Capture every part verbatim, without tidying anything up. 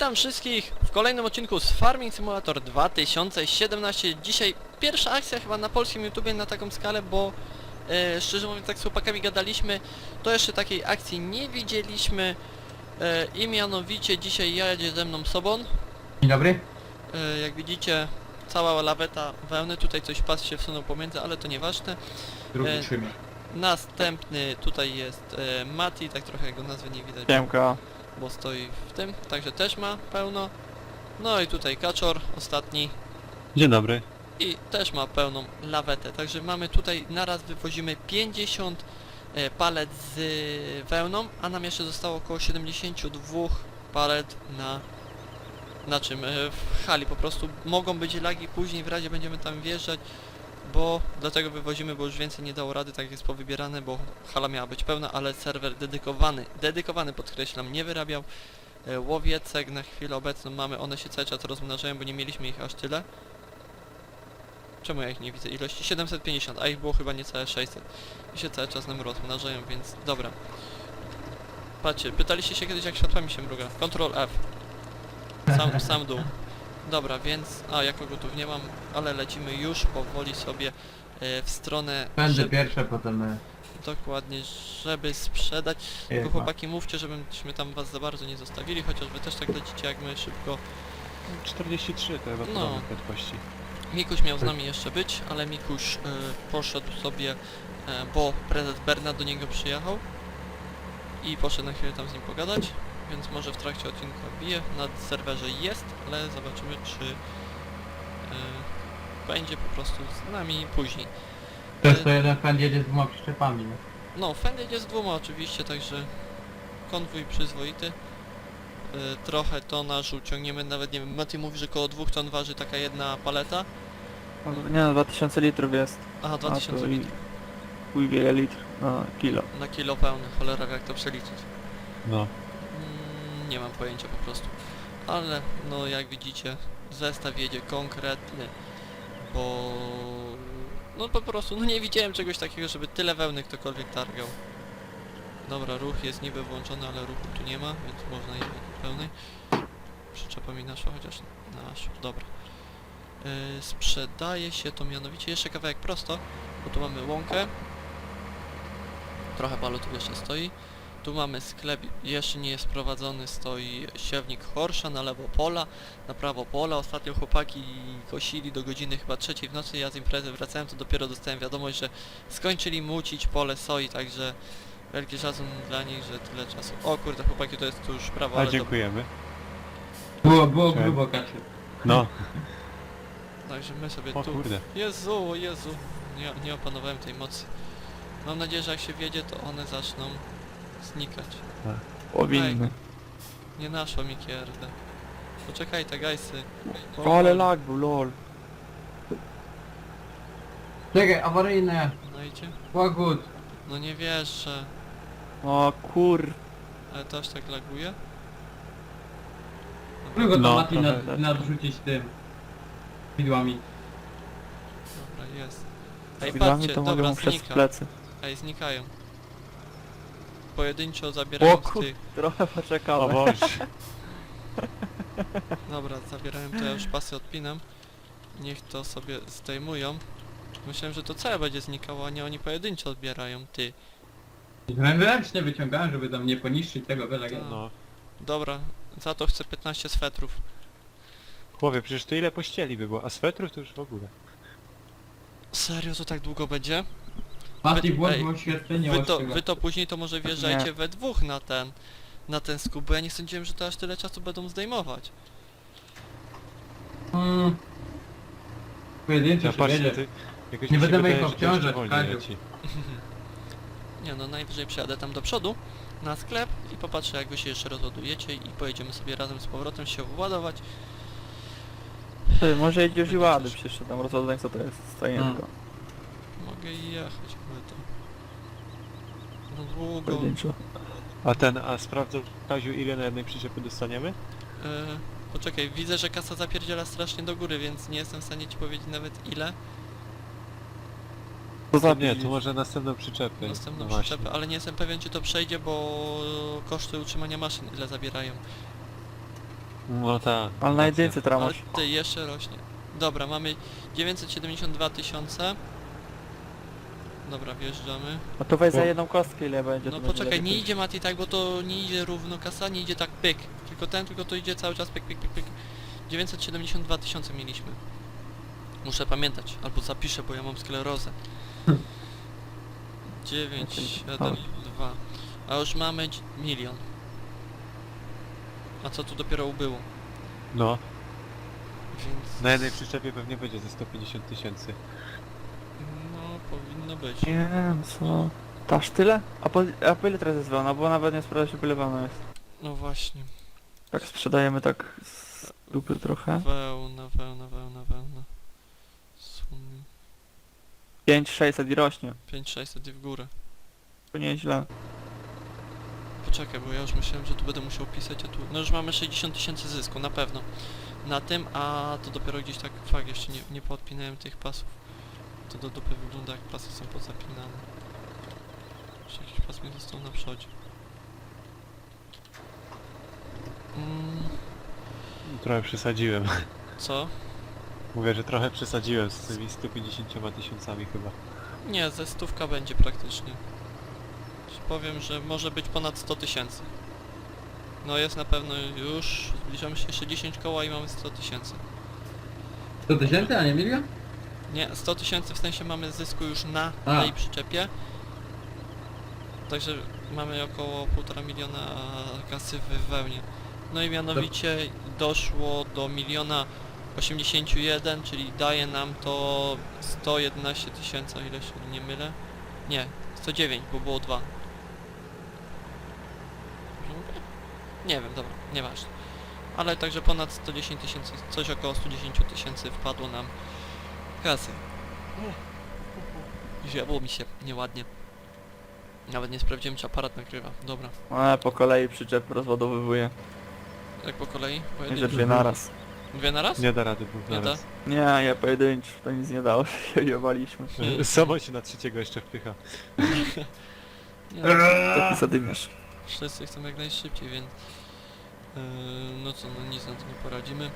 Witam wszystkich w kolejnym odcinku z Farming Simulator dwa tysiące siedemnaście. Dzisiaj pierwsza akcja chyba na polskim YouTubie na taką skalę, bo e, szczerze mówiąc, jak z chłopakami gadaliśmy, to jeszcze takiej akcji nie widzieliśmy e, i mianowicie dzisiaj jedzie ze mną Sobon. Dzień dobry. E, jak widzicie, cała laweta wełny, tutaj coś pas się wsunął pomiędzy, ale to nieważne. Drugi E, trzymie. Następny tutaj jest e, Mati, tak trochę jego nazwy nie widać. Siemka. Bo stoi w tym, także też ma pełno. No i tutaj Kaczor, ostatni, Dzień dobry. i też ma pełną lawetę, także mamy tutaj, naraz wywozimy pięćdziesiąt e, palet z e, wełną, a nam jeszcze zostało około siedemdziesiąt dwa palet na, na czym, e, w hali. Po prostu mogą być lagi, później w razie będziemy tam wjeżdżać, bo dlatego wywozimy, bo już więcej nie dało rady, tak jest powybierane, bo hala miała być pełna, ale serwer dedykowany, dedykowany podkreślam, nie wyrabiał. E, łowiecek na chwilę obecną mamy, one się cały czas rozmnażają, bo nie mieliśmy ich aż tyle. Czemu ja ich nie widzę? Ilości siedemset pięćdziesiąt, a ich było chyba niecałe sześćset. I się cały czas nam rozmnażają, więc dobra. Patrzcie, pytaliście się kiedyś, jak światłami się mruga. Control F. Sam, sam dół. Dobra, więc... A, jako gotów nie mam, ale lecimy już powoli sobie e, w stronę... Będę żeby- pierwsze, potem... e, Dokładnie, żeby sprzedać. Tylko Jest, chłopaki, mówcie, żebyśmy tam was za bardzo nie zostawili, chociaż wy też tak lecicie jak my szybko. czterdzieści trzy to chyba No. podobne prędkości. Mikuś miał z nami jeszcze być, ale Mikuś y, poszedł sobie, y, bo prezes Bernard do niego przyjechał i poszedł na chwilę tam z nim pogadać, więc może w trakcie odcinka bije. Na serwerze jest, ale zobaczymy, czy y, będzie po prostu z nami później. To jest to jeden fan jedzie z dwoma przyczepami, nie? No, Fended jest dwoma oczywiście, także konwój przyzwoity. Y, trochę tonażu ciągniemy, nawet nie wiem, Mati mówi, że koło dwóch ton waży taka jedna paleta. No, nie no, dwa tysiące litrów jest. Aha, dwa tysiące A, to i- litrów Chuj wiele litr na kilo. na kilo pełny, cholera wie, jak to przeliczyć. No. Mm, nie mam pojęcia po prostu. Ale no jak widzicie, zestaw jedzie konkretny, bo no po prostu no nie widziałem czegoś takiego, żeby tyle wełny ktokolwiek targał. Dobra, ruch jest niby włączony, ale ruchu tu nie ma, więc można jechać pełnej. Przyczepa mi naszła, chociaż naszła, dobra. Yy, sprzedaje się to mianowicie jeszcze kawałek prosto, bo tu mamy łąkę. Trochę balotów jeszcze stoi. Tu mamy sklep, jeszcze nie jest prowadzony, stoi siewnik Horsza, na lewo pola, na prawo pola. Ostatnio chłopaki kosili do godziny chyba trzeciej w nocy, ja z imprezy wracałem, to dopiero dostałem wiadomość, że skończyli mucić pole soi, także wielki szacun dla nich, że tyle czasu. O kurde, chłopaki, to jest tu już prawo, A ale dziękujemy. Było, było Cześć. grubo, Kaczy. No. dobra. Także my sobie O tu... kurde. Jezu, Jezu, nie, nie opanowałem tej mocy. Mam nadzieję, że jak się wjedzie, to one zaczną znikać. Powinny. Nie naszło mi kierdę. Poczekaj, te gajsy. O, ale lag był, lol. Czekaj, awaryjne. No idzie? Pogód. No nie wierzę. O kur... Ale to aż tak laguje? Tylko to No, Mati trochę nad, tak. nadrzucić tym. Widłami. Dobra, jest. Ej, Widłami patrzcie, to mogę dobra, mu przez znika. plecy. Ej, znikają. Pojedynczo O zabierając kur... tych. Trochę O poczekałem. Boże. Dobra, zabierałem, to ja już pasy odpinam. Niech to sobie zdejmują. Myślałem, że to całe będzie znikało, a nie oni pojedynczo odbierają, ty. Ręcznie wyciągałem, żeby tam nie poniszczyć tego byle. No. Dobra, za to chcę piętnaście swetrów. Chłopie, przecież to ile pościeli by było, a swetrów to już w ogóle. Serio, to tak długo będzie? Mati Wy- włącz ej, oświetlenie Wy to, ostrzyga. wy to później to może wjeżdżajcie Nie. we dwóch na ten, na ten skup, bo ja nie sądziłem, że to aż tyle czasu będą zdejmować. Hmm. Pojedynczy Ja się patrzę, jedzie. ty... Jakoś Nie mi się będziemy ich wydaje, że to jeszcze obciążać, wolniej Kaziu. leci. Nie no, najwyżej przyjadę tam do przodu, na sklep i popatrzę, jak wy się jeszcze rozładujecie i pojedziemy sobie razem z powrotem się władować. Ty, może jedziesz i Będzie łady, ciężko. przecież tam rozładunek co to jest, stojenko. Mogę jechać, ale to... No długo. Pojedynczo. A ten, a sprawdzał Kaziu, ile na jednej przyczepy dostaniemy? E, poczekaj, widzę, że kasa zapierdziela strasznie do góry, więc nie jestem w stanie ci powiedzieć nawet ile. To To nie, zapisz. to może następną przyczepę. Następną no właśnie. przyczepę, ale nie jestem pewien, czy to przejdzie, bo koszty utrzymania maszyn ile zabierają. No tak. Ale na jedynce teraz Ale masz. ty, jeszcze rośnie. Dobra, mamy dziewięćset siedemdziesiąt dwa tysiące. Dobra, wjeżdżamy. No to weź za Bo- jedną kostkę ile będzie. No to będzie poczekaj, lepiej. nie idzie Mati tak, bo to nie idzie równo kasa, nie idzie tak pyk. Tylko ten, tylko to idzie cały czas pyk, pyk, pyk, pyk. dziewięćset siedemdziesiąt dwa tysiące mieliśmy. Muszę pamiętać, albo zapiszę, bo ja mam sklerozę. dziewięć, siedem, dwa. A już mamy dź- milion. A co tu dopiero ubyło? No, Więc... na jednej przyczepie pewnie będzie ze sto pięćdziesiąt tysięcy. No, powinno być. Nie wiem co. To aż tyle? A po, a po ile teraz jest wełna? Bo nawet nie sprawdza się wylewana jest. No właśnie. Tak sprzedajemy tak z dupy trochę. Wełna, wełna, wełna, wełna. Sum... pięć sześćset i rośnie. pięć sześćset i w górę. To nieźle. Poczekaj, bo ja już myślałem, że tu będę musiał pisać, a tu... No już mamy sześćdziesiąt tysięcy zysku, na pewno. Na tym, a to dopiero gdzieś tak... Fakt, jeszcze nie, nie podpinałem tych pasów. To do dupy wygląda, jak pasy są pozapinane. Jeszcze jakiś pas mi został na przodzie. Mm, Trochę przesadziłem. co? Mówię, że trochę przesadziłem z tymi sto pięćdziesięcioma tysiącami chyba. Nie, ze stówka będzie praktycznie. Ci powiem, że może być ponad sto tysięcy. No jest na pewno już, zbliżamy się jeszcze dziesięć koła i mamy sto tysięcy. sto tysięcy, a nie milion? Nie, sto tysięcy w sensie mamy zysku już na A. tej przyczepie. Także mamy około półtora miliona kasy w wełnie. No i mianowicie doszło do miliona osiemdziesiąt jeden, czyli daje nam to sto jedenaście tysięcy, o ile się nie mylę. Nie, sto dziewięć, bo było dwa. Dobrze mówię? Nie wiem, dobra, nieważne. Ale także ponad sto dziesięć tysięcy, coś około sto dziesięć tysięcy wpadło nam kasy. Zjadło mi się nieładnie. Nawet nie sprawdziłem, czy aparat nagrywa. Dobra, Ale po kolei przyczep rozładowywuje. jak po kolei? Nie, że Pojedynczo. dwie naraz. Dwie na raz? Nie da rady dwóch Nie da? naraz. Nie, ja pojedynczo. To nic nie dało, się jebaliśmy. Hmm. Samo się na trzeciego jeszcze wpycha. Nie, Taki zadymiarz. wszyscy chcą jak najszybciej, więc... Yy, no co, no nic na to nie poradzimy.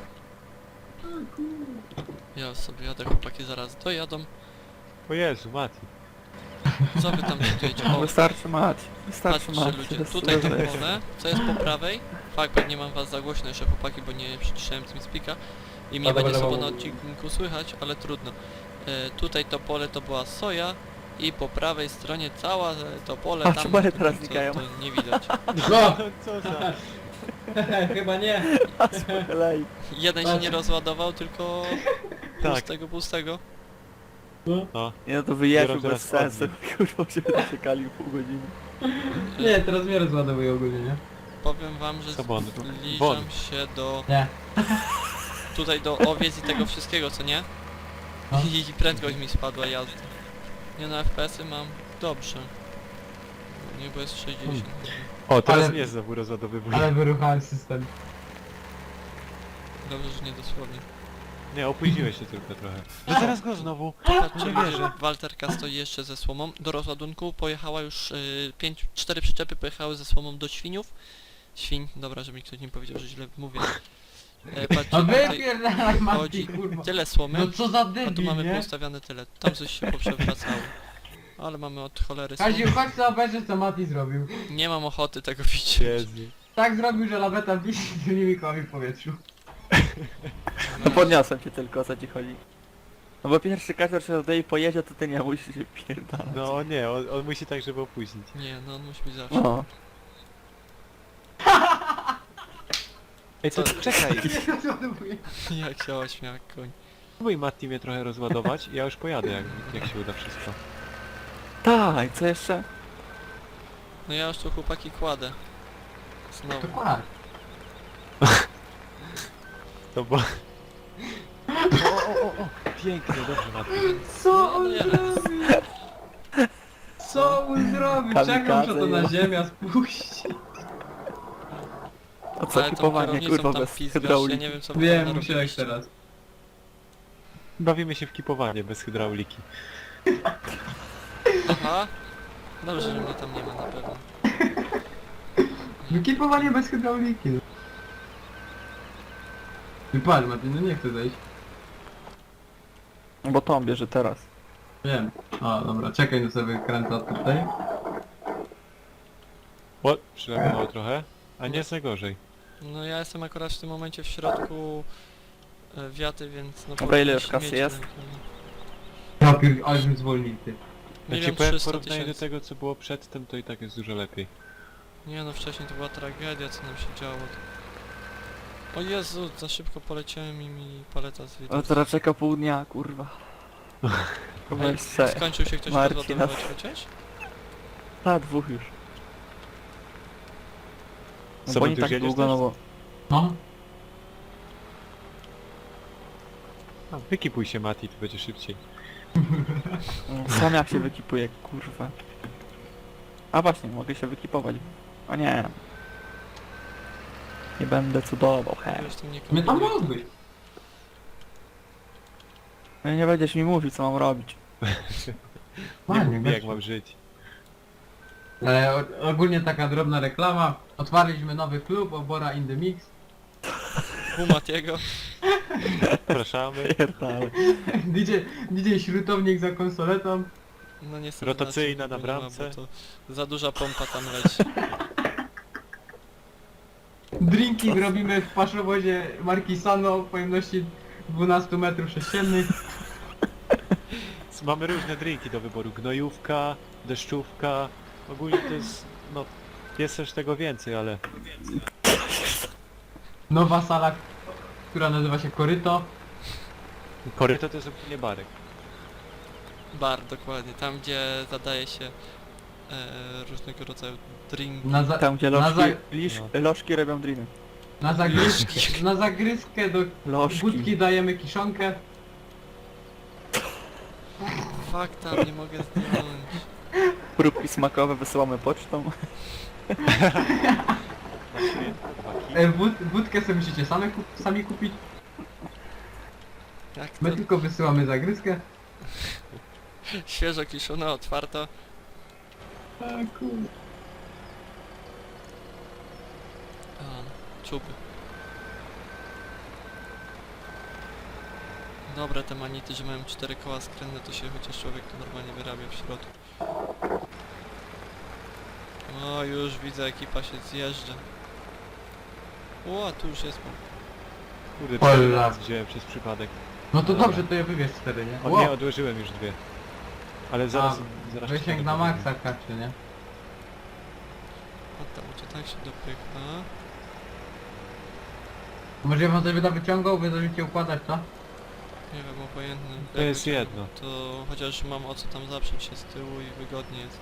Ja sobie jadę, chłopaki zaraz dojadą. O Jezu, Mati. Co wy tam czytujecie? O, Wystarczy mać. Wystarczy patrzcie mać. ludzie, To jest tutaj to dobre. pole, co jest po prawej. Fakt, pewnie mam was za głośno jeszcze chłopaki, bo nie przyciszałem TeamSpeaka. I mnie Dobra, będzie dobra, sobie na dobra. odcinku słychać, ale trudno. E, tutaj to pole to była soja i po prawej stronie cała e, to pole A, tam... czy pole teraz co- znikają? To nie widać. No! Co za... Chyba nie. A z po kolei. Jeden się nie rozładował, tylko Tak. pustego, pustego. No. Nie no to wyjeżdżał Biorą bez teraz sensu. Kurwa, żeby czekali pół godziny. Nie, teraz mnie rozładowuje ogólnie, nie? Powiem wam, że Sobon. zbliżam Won. się do... Nie. Tutaj do owiec i tego wszystkiego, co nie? No. I prędkość mi spadła jazda. Nie no, F P S-y mam dobrze. Nie, bo jest sześćdziesiąt. O, teraz Ale- mnie znowu rozładowywuje. Ale wyruchałem system. Dobrze, że nie dosłownie. Nie, opóźniłeś się tylko trochę. No teraz go znowu. Popatrzcie, Nie ludzie, wierzę. Walterka stoi jeszcze ze słomą. Do rozładunku pojechała już y, pięć, cztery przyczepy pojechały ze słomą do świniów. Świń, dobra, żeby mi ktoś nie powiedział, że źle mówię. E, patrzcie, No tutaj wypierdalaj Mati, chodzi kurwa. tyle słomy, No co za a debil, tu mamy nie? poustawiane tyle. Tam coś się poprzewracało. Ale mamy od cholery Kaziu, słomy. chodź co obejrzeć co Mati zrobił. Nie mam ochoty tego widzieć. Jezu. Tak zrobił, że laweta wisi z tymi kołami w powietrzu. No podniosłem cię tylko, o co ci chodzi. No bo pierwszy każdy się oddaje i pojedzie, to ty nie musisz się pierdalać. No nie, on, on musi tak, żeby opóźnić. Nie, no on musi być zawsze. No. Ej, to Co? czekaj. Nie rozładowuje. Jak się ośmiał jak koń. Spróbuj Matti mnie trochę rozładować i ja już pojadę, jak, jak się uda wszystko. Tak, co jeszcze? No ja już tu chłopaki kładę. To Znowu. kład. To bo... O, o, o, o! Pięknie, dobrze Matti. Co No, on nie. zrobił? Co on zrobił? Czekam, że to na ziemię spuści. O co Ale tą kipowanie, kierownicą kurwa, tam bez pizgasz, ja hydrauliki. nie wiem co wy tam Wiem, musiałeś narobiliście. teraz. Bawimy się w kipowanie bez hydrauliki. Aha. Dobrze, że mnie tam nie ma na pewno. Wykipowanie bez hydrauliki. Wypadł, Mati, no nie chcę zejść. Bo Tom bierze teraz. Wiem. O, dobra, czekaj, no sobie kręcę tutaj. O, przylegało trochę. A nie jest najgorzej. No ja jestem akurat w tym momencie w środku e, wiaty, więc no Dobra, ile powinieneś już kasy mieć jest? rękę, Ja pier... ale bym zwolnił, ty. no. Ja ci Milion powiem w trzysta porównaniu do tysięcy. tego co było przedtem, to i tak jest dużo lepiej. Nie no, wcześniej to była tragedia, co nam się działo. O Jezu, za szybko poleciałem i mi paleta z Ale teraz czeka pół dnia, kurwa. Chyba jeszcze. Skończył się ktoś Marcin, rozładowywać chociaż? Ta, dwóch już. No Co, bo bo nie ty tak już jedziesz długo, no też? bo... No, A, wykipuj się Mati, to będzie szybciej. no, sam jak się wykipuje, kurwa. A właśnie, mogę się wykipować. A nie. Nie będę cudował, he. Wiesz, tym nie mnie tam kombinuj. mógł być. No i nie będziesz mi mówił, co mam robić. Nie Fajnie, mów mi jak gościu. mam żyć. E, o- ogólnie taka drobna reklama. Otwarliśmy nowy klub, Obora in the Mix. U Matiego. Zapraszamy. Pierdale. D J, D J śrutownik za konsoletą. No niestety Rotacyjna znaczy, na nie ma, bo bramce. to za duża pompa tam leci. Drinki robimy w paszowozie marki Sano o pojemności dwanaście metrów sześciennych. Mamy różne drinki do wyboru. Gnojówka, deszczówka. Ogólnie to jest... no... Jest też tego więcej, ale... Nowa sala, która nazywa się Koryto. Koryto to jest ogólnie barek. Bar, dokładnie. Tam, gdzie zadaje się e, różnego rodzaju drinki. Na, za, Tam gdzie na, lożki, za, lisz, No. lożki robią dreamy. na, zagryzkę, na zagryzkę do Lożki. budki dajemy kiszonkę. Fuck tam, nie mogę zdjąć. Próbki smakowe wysyłamy pocztą. Na święta, dwa kij. E, wód, wódkę sobie musicie same kup, sami kupić. Jak to? My tylko wysyłamy zagryzkę. Świeżo kiszone, otwarto. A kurde. A, czuby. Dobre te manity, że mają cztery koła skrętne, to się chociaż człowiek tu normalnie wyrabia w środku. O, już widzę, ekipa się zjeżdża. O, tu już jest. Kurde, Hola. cztery raz wziąłem przez przypadek. No to Dobra. dobrze, to je wybierz cztery, nie? O Wow. nie, odłożyłem już dwie. Ale zaraz... zaraz ci Wysięg to na powiem. maksa kaczy, nie? A tam, to tak się dopycha. Może ja wam coś będę wyciągał, wy będziecie układać, co? Nie wiem, obojętne. To Jak jest będzie, jedno. To chociaż mam o co tam zaprzeć się z tyłu i wygodnie jest.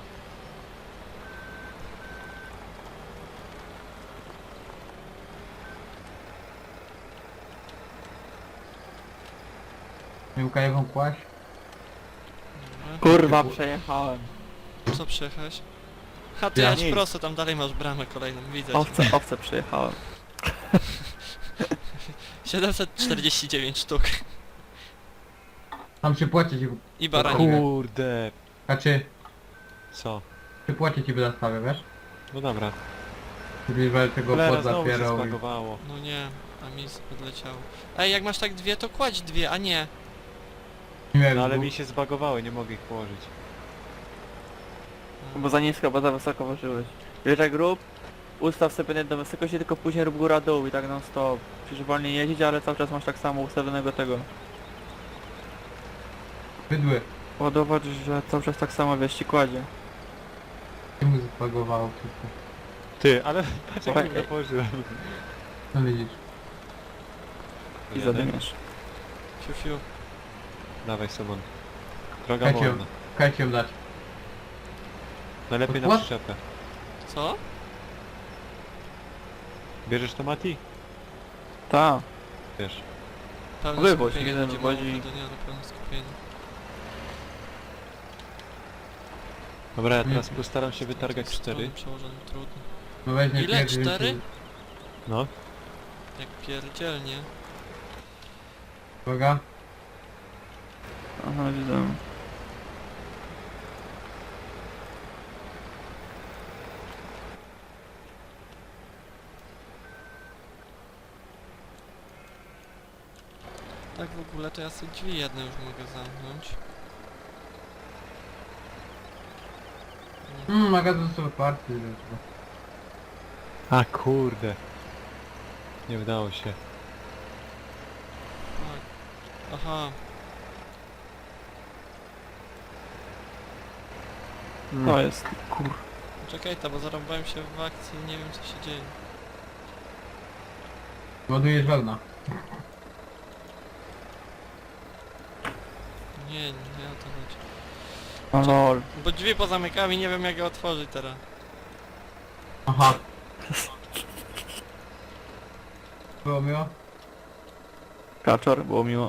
Miłka wam kłaść. Dobra. Kurwa, przejechałem. Co przejechałeś? Ha, ty Ja ja ci nic. prosto, tam dalej masz bramę kolejną, widzę cię. Owce, owce przejechałem. siedemset czterdzieści dziewięć sztuk. Tam się płacić i... I baranik. Kurde. Kaczy, Co? się płacić i wydastawię, wiesz? No dobra. Żeby tego Cholera, znowu się podzapierał i... zbagowało. No nie, a mi odleciało. Ej, jak masz tak dwie, to kładź dwie, a nie. Nie wiem, No ale bo- mi się zbagowały, nie mogę ich położyć. Bo za nisko, bo za wysoko ważyłeś. Wiesz jak rób? Ustaw sobie jedną wysokość i tylko później rób góra dół i tak non stop. Musisz wolniej jeździć, ale cały czas masz tak samo ustawionego tego. Bydły. Ładować, że cały czas tak samo wiesz ci kładzie. Się mu zbagowało wszystko. Ty, ale patrz jak Oj, go położyłem. No widzisz. I Jadę. zadymiesz. Fiu, fiu. Dawaj Simon. Droga Kajcie, wolna. kajcie ją dać. Najlepiej na What? przyczepę. Co? Bierzesz to Mati? Ta. Wiesz. Pełne Wywoź, skupienie jeden będzie wywozi. mało do dnia, do pełne skupienie. Dobra, ja Nie. teraz postaram się wytargać Z tą cztery. stroną przełożonym trudno. No weźmie Ile? pierwszy, Cztery? więc- No. Jak pierdzielnie. Uwaga. Aha, widzę. Tak w ogóle to ja sobie drzwi jedne już mogę zamknąć. Mmm, magazyn są otwarty. zresztą. A kurde. Nie udało się. Tak. Aha, To jest, kur... czekaj ta, bo zarąbałem się w akcji i nie wiem co się dzieje. Ładujesz wełna. Nie, nie o to chodzi. O lol. Bo drzwi pozamykałem i nie wiem jak je otworzyć teraz. Aha. Było miło? Kaczor, było miło.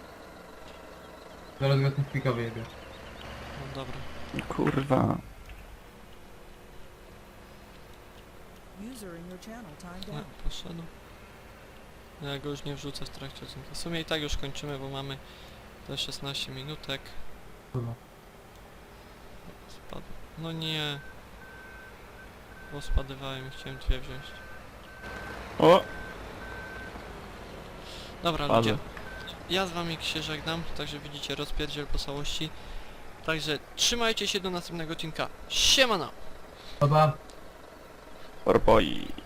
Zaraz go ten spika wyjebie. No dobra. Kurwa. User in your channel timed No, out. poszedł. Ja go już nie wrzucę w trakcie odcinka. W sumie i tak już kończymy, bo mamy te szesnaście minutek. Kurwa. Spadł. No nie. Bo spadywałem i chciałem dwie wziąć. O! Dobra Padły. ludzie. Ja z wami się żegnam, także widzicie rozpierdziel po całości. Także trzymajcie się do następnego odcinka. Siemano! Dobra. Porpoi.